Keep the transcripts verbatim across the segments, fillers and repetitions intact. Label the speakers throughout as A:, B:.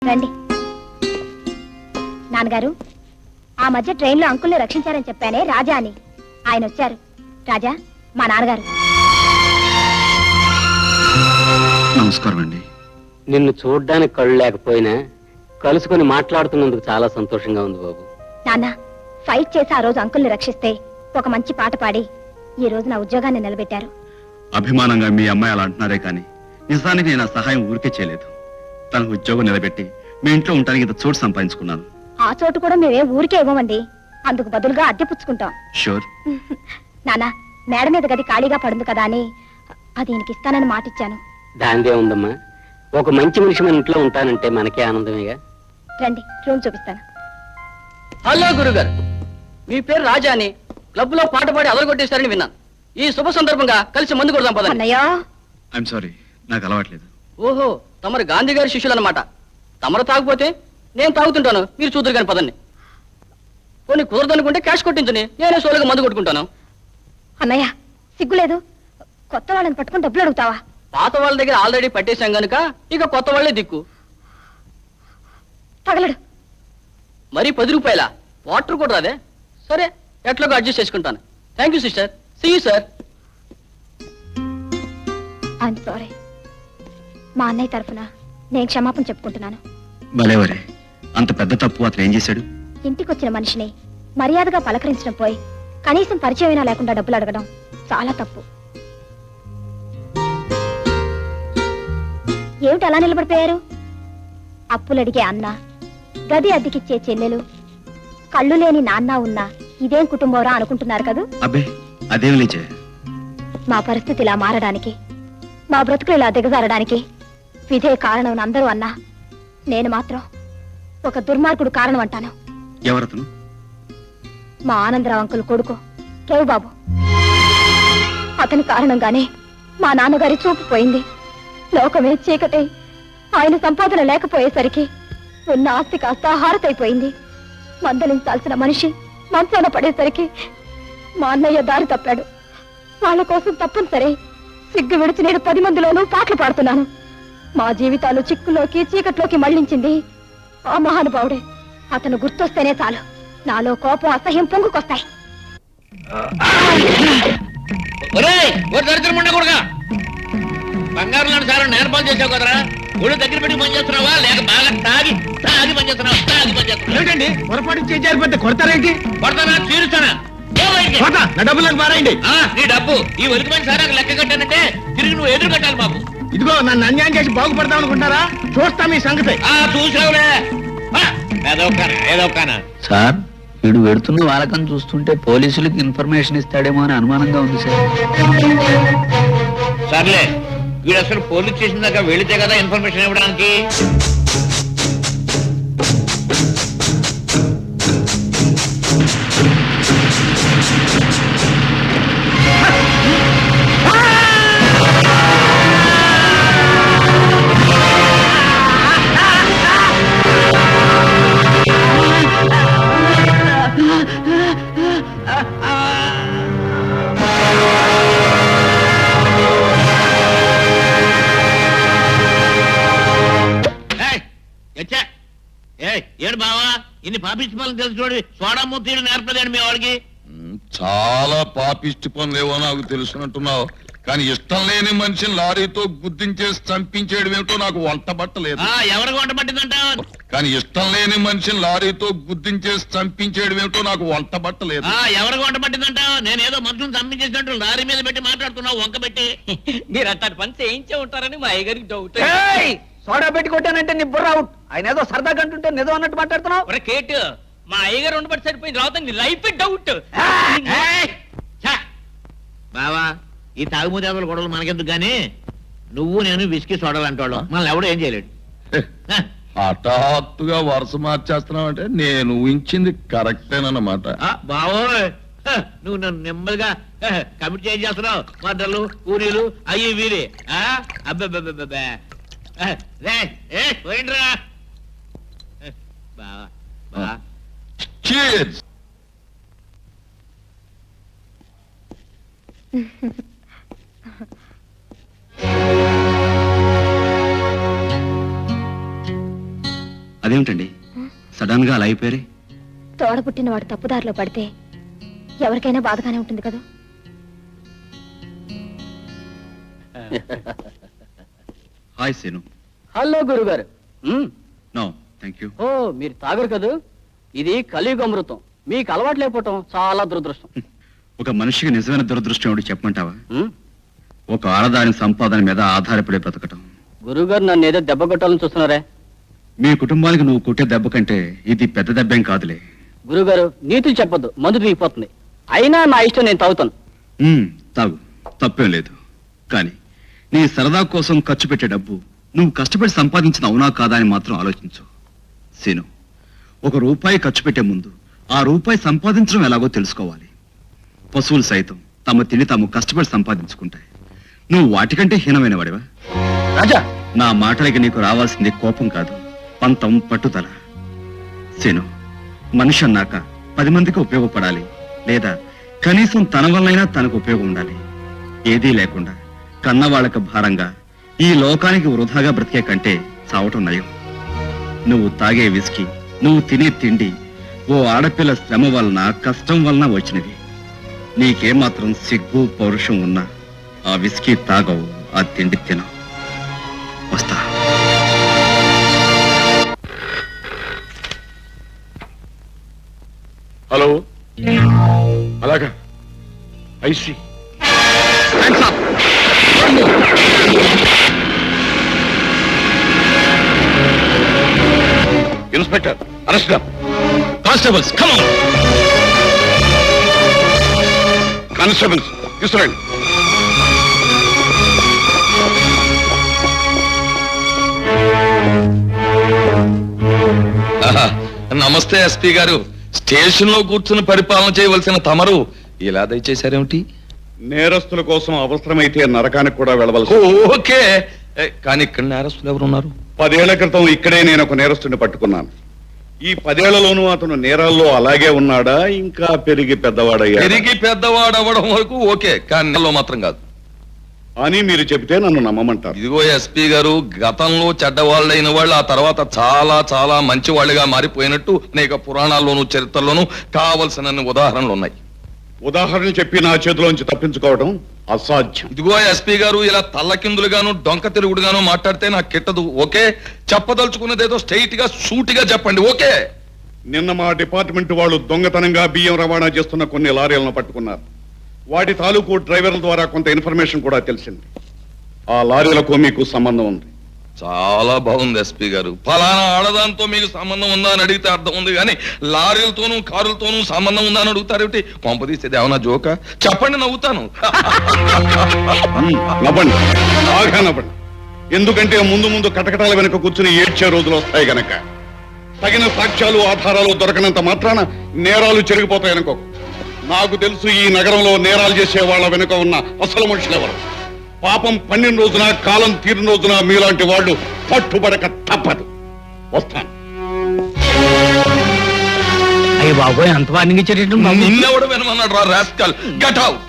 A: రండి. నాన్నగారు, ఆ మధ్య ట్రైన్లో అంకుల్ని రక్షించారని చెప్పానే రాజా అని, ఆయన వచ్చారు. రాజా, మా నాన్నగారు.
B: నమస్కారం అండి.
C: నిన్ను చూడ్డానికి కళ్ళు లేకపోయినా కలుసుకొని మాట్లాడుతున్నందుకు చాలా సంతోషంగా ఉంది బాబు.
A: నాన్న, ఫైట్ చేసి ఆ రోజు అంకుల్ని రక్షిస్తే ఒక మంచి పాట పాడి ఈ రోజు నా ఉద్యోగాన్ని నిలబెట్టారు.
B: అభిమానంగా మీ అమ్మాయి అలా అంటున్నారే కానీ నిజానికి నేను ఆ సహాయం ఊరికే చేయలేదు. తన ఉద్యోగం నిలబెట్టి మీ ఇంట్లో ఉండడానికి ఇంత చోటు సంపాదించుకున్నాను.
A: ఆ చోటు కూడా మేమే ఊరికే ఇవ్వమండి, అందుకు బదులుగా అద్దె పుచ్చుకుంటాం.
B: షూర్.
A: నాన్న, మేడ మీద గది ఖాళీగా పడుంది కదా అని అది ఈయనకి ఇస్తానని మాటిచ్చాను.
C: దాందే ఉందమ్మా, ఒక మంచి మనిషి మన ఇంట్లో ఉంటానంటే మనకే ఆనందమేగా.
A: రండి, రూమ్ చూపిస్తాను.
D: హలో గురుగారు, మీ పేరు రాజా అని క్లబ్ లో పాట పాడి అదరగొట్టేశారని విన్నాను. ఈ శుభ సందర్భంగా కలిసి మందు కొడదాం పదండి.
A: అన్నయ్యో,
B: ఐఎమ్ సారీ, నాకు అలవాట్లేదు.
D: ఓహో, తమరు గాంధీ గారి శిష్యులు అనమాట. తమరు తాగిపోతే నేను తాగుతుంటాను, మీరు చూద్దరు కాని పదండి. కొన్ని కుదరదనుకుంటే క్యాష్ కొట్టించుని నేనే సోలుగా మందు కొట్టుకుంటాను.
A: అన్నయ్య సిగ్గులేదు, కొత్త వాళ్ళని పట్టుకుని డబ్బులు అడుగుతావా?
D: పాత వాళ్ళ దగ్గర ఆల్రెడీ పట్టేశాం గనుక ఇక కొత్త వాళ్ళే దిక్కు.
A: తగలడు.
D: మరి పది రూపాయల వాటర్ కూడా రాదే? సరే, ఎట్లాగో అడ్జస్ట్ చేసుకుంటాను. Thank you sister, see you sir.
A: I'm sorry. మా అన్నయ్య తరఫున నేను క్షమాపణ చెప్పుకుంటున్నాను.
B: భలేవరే, అంత పెద్ద తప్పు అతను ఏం చేశాడు?
A: ఇంటికొచ్చిన మనిషిని మర్యాదగా పలకరించడం పోయి కనీసం పరిచయమైనా లేకుండా డబ్బులు అడగడం చాలా తప్పు. ఏమిటి అలా నిలబడిపోయారు? అప్పులడిగే అన్న, గది అద్దెకిచ్చే చెల్లెలు, కళ్ళు లేని నాన్న ఉన్నా ఇదేం కుటుంబంరా అనుకుంటున్నారు కదూ?
B: అబ్బే, అదేం లేచే.
A: మా పరిస్థితి ఇలా మారడానికి, మా బ్రతుకులు ఇలా దిగజారడానికి విధే కారణం అందరూ అన్నా నేను మాత్రం ఒక దుర్మార్గుడు కారణం అంటాను.
B: ఎవరతను?
A: మా ఆనందరావు అంకుల్ కొడుకు కేవ్ బాబు. అతని కారణంగానే మా నాన్నగారి చూపు పోయింది. లోకమే చీకటి, ఆయన సంపాదన లేకపోయేసరికి ఉన్న ఆస్తి కాస్త హారతైపోయింది. మందలించాల్సిన మనిషి మంచాన పడేసరికి మా అన్నయ్య దారి తప్పాడు. వాళ్ళ కోసం తప్పనిసరి సిగ్గు విడిచి నేను పది మందిలోనూ పాటలు పాడుతున్నాను. మా జీవితాలు చిక్కులోకి చీకట్లోకి మళ్లించింది ఆ మహానుభావుడే. అతను గుర్తొస్తేనే చాలు నాలో కోపం అసహ్యం పొంగుకొస్తాయి.
E: బంగారు లాంటి సార్ నేర్పాలు చేసావు కదరా, ఒళ్ళు దగ్గర పెట్టి పని చేస్తున్నావా లేక బాగా తాగి తాగి పని చేస్తున్నావా? తాగి పని చేస్తున్నావు.
F: పొరపాటు చేయాలి, కొడతారేంటి?
E: కొడతానా, తీరుస్తానా?
F: నా డబ్బులకు మారాయండి.
E: నీ డబ్బు ఈ ఒలికి మంది సార్ నాకు లెక్క కట్టానంటే తిరిగి నువ్వు ఎదురు కట్టాలి బాబు.
F: ఇదిగో నన్ను అన్యాయం చేసి బాగుపడతాం అనుకుంటారా? చూస్తా మీ సంగతి.
E: ఆ చూసావులే, ఏదో ఏదో
G: సార్, వీడు వెడుతున్న వాళ్ళకని చూస్తుంటే పోలీసులకు ఇన్ఫర్మేషన్ ఇస్తాడేమో అని అనుమానంగా ఉంది సార్.
E: సర్లే, వీడు అసలు పోలీస్ స్టేషన్ దాకా వెళితే కదా ఇన్ఫర్మేషన్ ఇవ్వడానికి. ఏడు బావా, ఇన్ని పాపిష్టి పనులు తెలుసు చూడు, సోడా మూతీడు నేర్పలేడు మీ వాడికి.
H: చాలా పాపిష్టి పనులేవో నాకు తెలుసునంటున్నావు, కానీ ఇష్టం లేని మనిషిని లారీతో గుద్దించేసి చంపించేయడం ఏమిటో నాకు వంట పట్టలేదు.
E: ఎవరికి వంట పట్టిందంటావు?
H: కానీ ఇష్టం లేని మనిషిని లారీతో గుద్దించేసి చంపించేయడం ఏమిటో నాకు వంట పట్టలేదు.
E: ఎవరికి వంట పట్టిందంటావు? నేనేదో మనుషులను చంపించేసినట్టు లారీ మీద పెట్టి మాట్లాడుతున్నావు వంక పెట్టి.
D: మీరు అట్టాడు పని చేయించే ఉంటారని మా అయ్యగారికి డౌట్.
F: సోడా పెట్టి కొట్టానంటే నీ బుర్ర అవుట్. ఆయన ఏదో సరదాగా అంటుంటే నిజం అన్నట్టు మాట్లాడుతున్నావు.
D: కేటు, మా అయ్యగారు ఉండబట్టి సరిపోయింది, రావుతా నీ లైఫ్ డౌట్.
E: బావా, ఈ తాగుమూదేవల గొడవలు మనకెందుకు గానీ నువ్వు నేను విసికి సోడాలంటాడు, మనల్ని ఎవడో ఏం చేయలేడు.
H: హఠాత్తుగా వరుస మార్చేస్తున్నావు అంటే నేను ఊహించింది కరెక్టేనన్నమాట.
E: బావోయ్, నువ్వు నన్ను నెమ్మదిగా కమిట్ చేస్తున్నావు. మద్దలు పూరీలు అయ్యి వీరి అబ్బా పోయిండ్రా బావా. బావా
H: Cheers.
B: అదేమిటండి సడన్ గా అలా అయిపోయారే?
A: తోడ పుట్టిన వాడు తప్పుదారిలో పడితే ఎవరికైనా బాధగానే ఉంటుంది కదా.
B: హాయ్ సీను.
D: హలో గురుగారు. Hmm,
B: no thank you.
D: ఓ మీరు తాగరు కదూ. ఇది కలియుగ అమృతం. మీకు అలవాటు లేకపోవటం చాలా దురదృష్టం.
B: ఒక మనిషికి నిజమైన దురదృష్టం ఏమిటి చెప్పమంటావా?
D: మ్,
B: ఒక ఆడదాని సంపాదన మీద ఆధారపడే బ్రతకటం.
D: గురుగారు నన్ను ఏదో దెబ్బ కొట్టాలని చూస్తున్నారే.
B: మీ కుటుంబానికి నువ్వు కొట్టే దెబ్బ కంటే ఇది పెద్ద దెబ్బేం కాదులే.
D: గురుగారు నీతులు చెప్పొద్దు, మందు దిగిపోతుంది. అయినా నా ఇష్టం, నేను తాగుతాను.
B: ఉమ్, తాగు, తప్పేం లేదు. కానీ నీ సరదా కోసం ఖర్చు పెట్టే డబ్బు నువ్వు కష్టపడి సంపాదించిన అవునా కాదా అని మాత్రం ఆలోచించు సీను. ఒక రూపాయి ఖర్చు పెట్టే ముందు ఆ రూపాయి సంపాదించడం ఎలాగో తెలుసుకోవాలి. పశువులు సైతం తమ తిని తాము కష్టపడి సంపాదించుకుంటాయి. నువ్వు వాటికంటే హీనమైన వాడివా?
D: రాజా,
B: నా మాటలకి నీకు రావాల్సింది కోపం కాదు, పంతం, పట్టుదల. సీను, మనిషి అన్నాక పది మందికి ఉపయోగపడాలి, లేదా కనీసం తన వల్లైనా తనకు ఉపయోగం ఉండాలి. ఏదీ లేకుండా కన్నవాళ్లకు భారంగా ఈ లోకానికి వృధాగా బ్రతికే కంటే చావటం నయం. నువ్వు తాగే విస్కీ, నువ్వు తినే తిండి ఓ ఆడపిల్ల శ్రమ వలన, కష్టం వలన వచ్చినవి. నీకేమాత్రం సిగ్గు పౌరుషం ఉన్నా ఆ విస్కీ తాగవు, ఆ తిండి తినవు. వస్తా.
H: హలో, అలాగా I see inspector arrest.
B: Constables come on.
H: Constables తీసుకురండి.
I: నమస్తే ఎస్పీ గారు. స్టేషన్ లో కూర్చుని పరిపాలన చేయవలసిన తమరు ఇలా దయచేశారేమిటి?
H: నేరస్తుల కోసం అవసరమైతే నరకానికి కూడా వెళ్ళవలసి.
I: ఓకే, ఏ, కానీ ఇక్కడ నేరస్తులు ఎవరున్నారు?
H: పదేళ్ల క్రితం ఇక్కడే నేను ఒక నేరస్తుడిని పట్టుకున్నాను. ఈ పదేళ్లలోనూ అతను నేరాల్లో అలాగే ఉన్నాడా, ఇంకా పెరిగి పెద్దవాడయ్యా?
I: పెరిగి పెద్దవాడు అవ్వడం వరకు ఓకే, కానీ నెలలో మాత్రం కాదు
H: అని మీరు చెబితే నన్ను నమ్మమంటారు.
I: ఇదిగో ఎస్పీ గారు, గతంలో చెడ్డవాళ్ళైన వాళ్ళు ఆ తర్వాత చాలా చాలా మంచి వాళ్ళుగా మారిపోయినట్టు అనేక పురాణాల్లోనూ చరిత్రలోనూ కావలసిన ఉదాహరణలు ఉన్నాయి.
H: ఉదాహరణ చెప్పి నా చేతిలోంచి తప్పించుకోవడం అసాధ్యం.
I: ఇదిగో ఎస్పీ గారు, ఇలా తల్లకిందులుగాను డొంక తిరుగుడుగాను మాట్లాడితే నాకు కిట్టదు. ఓకే, చెప్పదలుచుకున్నదేదో స్ట్రైట్ గా సూటిగా చెప్పండి. ఓకే.
H: నిన్న మా డిపార్ట్మెంట్ వాళ్ళు దొంగతనంగా బియ్యం రవాణా చేస్తున్న కొన్ని లారీలను పట్టుకున్నారు. వాటి తాలూకు డ్రైవర్ల ద్వారా కొంత ఇన్ఫర్మేషన్ కూడా తెలిసింది. ఆ లారీలకు మీకు సంబంధం ఉంది.
I: చాలా బాగుంది ఎస్పీ గారు. ఫలానా ఆడదాంతో మీకు సంబంధం ఉందా అని అడిగితే అర్థం ఉంది, కానీ లారీలతోనూ కారులతోనూ సంబంధం ఉందా అని అడుగుతారేమిటి? కొంపదీసేది ఏమన్నా జోక? చెప్పండి, నవ్వుతాను.
H: ఉమ్, నవ్వండి, బాగా నవ్వండి. ఎందుకంటే ముందు ముందు కటకటాల వెనుక కూర్చుని ఏడ్చే రోజులు వస్తాయి గనక. తగిన సాక్ష్యాలు ఆధారాలు దొరకనంత మాత్రాన నేరాలు చెరిగిపోతాయనుకో. నాకు తెలుసు ఈ నగరంలో నేరాలు చేసే వాళ్ళ వెనుక ఉన్న అసలు మనుషులు ఎవరు. పాపం పన్నెండు రోజున, కాలం తీరిన రోజున మీలాంటి వాళ్ళు పట్టుబడక తప్పదు. వస్తాను.
F: అయ్యి బాబోయ్, అంత వార్నింగ్ ఇచ్చేటట్టు
I: నిన్నెవడు వినమన్నాడు రా రాస్కల్? Get out.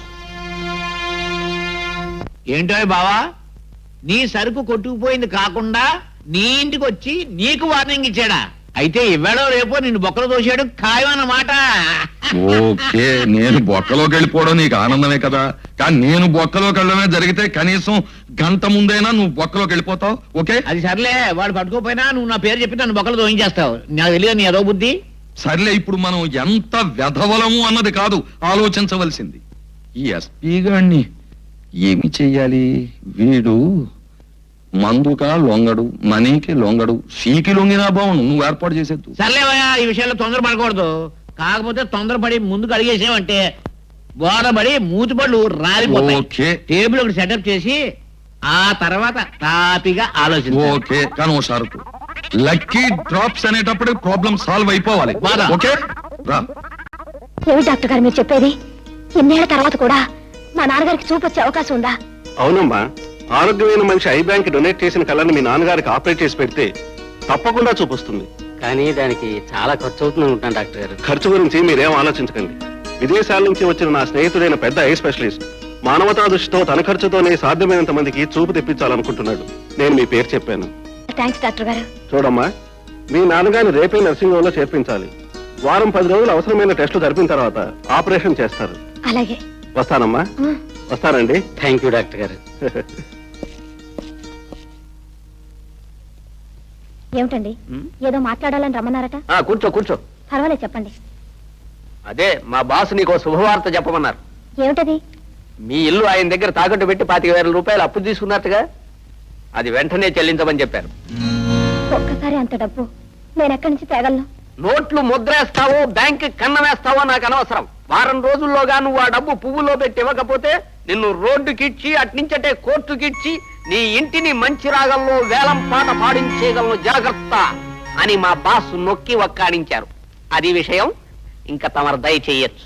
E: ఏంటో బావా, నీ సరుకు కొట్టుకుపోయింది కాకుండా నీ ఇంటికి వచ్చి నీకు వార్నింగ్ ఇచ్చాడా? అయితే ఇవ్వడో రేపో నిన్ను బొక్కలు తోసాడు ఖాయమన్నమాట.
I: ఓకే, నేను బొక్కలోకి వెళ్ళిపోవడం నీకు ఆనందమే కదా, కానీ నేను బొక్కలోకి వెళ్ళడమే జరిగితే కనీసం గంట ముందైనా నువ్వు బొక్కలోకి వెళ్ళిపోతావు. ఓకే,
E: అది సర్లే, వాడు పట్టుకోపోయినా నువ్వు నా పేరు చెప్పి నన్ను బొక్కలు తోయించేస్తావు. నాకు తెలియదు నీ ఏదో బుద్ధి.
I: సర్లే, ఇప్పుడు మనం ఎంత వెధవలము అన్నది కాదు ఆలోచించవలసింది. ఈ ఎస్పీ గారిని ఏమి చెయ్యాలి? వీడు మందుకా లొంగడు, మనీకి లొంగడు, సీకి లొంగినా బావును. నువ్వు ఏర్పాటు చేసేద్దు.
E: సర్లేవయ్యా, ఈ విషయంలో తొందరపడకూడదు. కాకపోతే తొందరపడి ముందుకు అడిగేసావంటే బోధపడి మూతిపళ్ళు రాలిపోతాయి.
I: ఓకే.
E: టేబుల్ ఒకటి సెటప్ చేసి ఆ తర్వాత తాపిగా ఆలోచించు.
I: ఓకే, కానీ ఓ షరతు. లక్కీ డ్రాప్స్ అనేటప్పుడు ప్రాబ్లం సాల్వ్ అయిపోవాలి.
E: బాగా.
I: ఓకే, రా.
A: ఏమి డాక్టర్ గారు మీరు చెప్పేది? ఇన్నేళ్ల తర్వాత కూడా మా నాన్నగారికి చూపు వచ్చే అవకాశం ఉందా?
J: అవునమ్మా, ఆరోగ్యమైన మనిషి ఐ బ్యాంక్ డొనేట్ చేసిన కళ్ళని మీ నాన్నగారికి ఆపరేట్ చేసి పెడితే తప్పకుండా చూపిస్తుంది.
C: కానీ దానికి చాలా ఖర్చు అవుతుంది అనుకుంటాను డాక్టర్ గారు.
J: ఖర్చు గురించి మీరేం ఆలోచించకండి. విదేశాల నుంచి వచ్చిన నా స్నేహితుడైన పెద్ద ఐ స్పెషలిస్ట్ మానవతా దృష్టితో తన ఖర్చుతోనే సాధ్యమైనంత మందికి చూపు తెప్పించాలనుకుంటున్నాడు. నేను మీ పేరు చెప్పాను.
A: థ్యాంక్స్ డాక్టర్ గారు.
J: చూడమ్మా, మీ నాన్నగారిని రేపే నర్సింగ్ హోమ్ లో చేర్పించాలి. వారం పది రోజులు అవసరమైన టెస్టులు జరిపిన తర్వాత ఆపరేషన్ చేస్తారు.
A: అలాగే.
J: వస్తానమ్మా.
A: ఆ.
J: వస్తానండి.
C: థ్యాంక్ యూ డాక్టర్ గారు.
A: ఏమిటండి ఏదో మాట్లాడాలని రమ్మన్నారట?
F: ఆ, కూర్చో కూర్చో.
A: పర్వాలేదు చెప్పండి.
F: అదే మా బాస్ నీకు శుభవార్త చెప్పమన్నారు.
A: ఏమిటది?
F: మీ ఇల్లు ఆయన దగ్గర తాకట్టు పెట్టి పాతిక వేల రూపాయలు అప్పు తీసుకున్నట్టుగా అది వెంటనే చెల్లించమని చెప్పారు.
A: ఒక్కసారి అంత డబ్బు నేను ఎక్కడి నుంచి తేగలను?
F: నోట్లు ముద్రేస్తావో బ్యాంక్ కన్న వేస్తావో నాకు అనవసరం. వారం రోజుల్లోగా నువ్వు ఆ డబ్బు పువ్వులో పెట్టి ఇవ్వకపోతే నిన్ను రోడ్డుకిచ్చి అట్నుంచటే కోర్టుకిచ్చి నీ ఇంటిని మంచి రాగంలో వేలం పాట పాడించేయగలను, జాగ్రత్త అని మా బాస్ నొక్కి వక్కాణించారు. అది విషయం. ఇంకా తమరు దయ చెయ్యొచ్చు.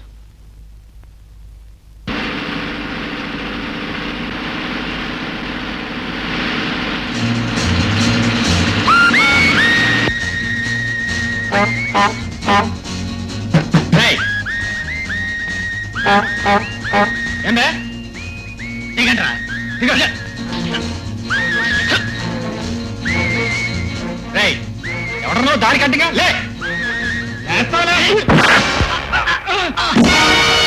E: ఏమే దిగండ్రా దిగండి. రేయ్ ఎవడనో దారి కట్టిగా లే. లేస్తావా లే?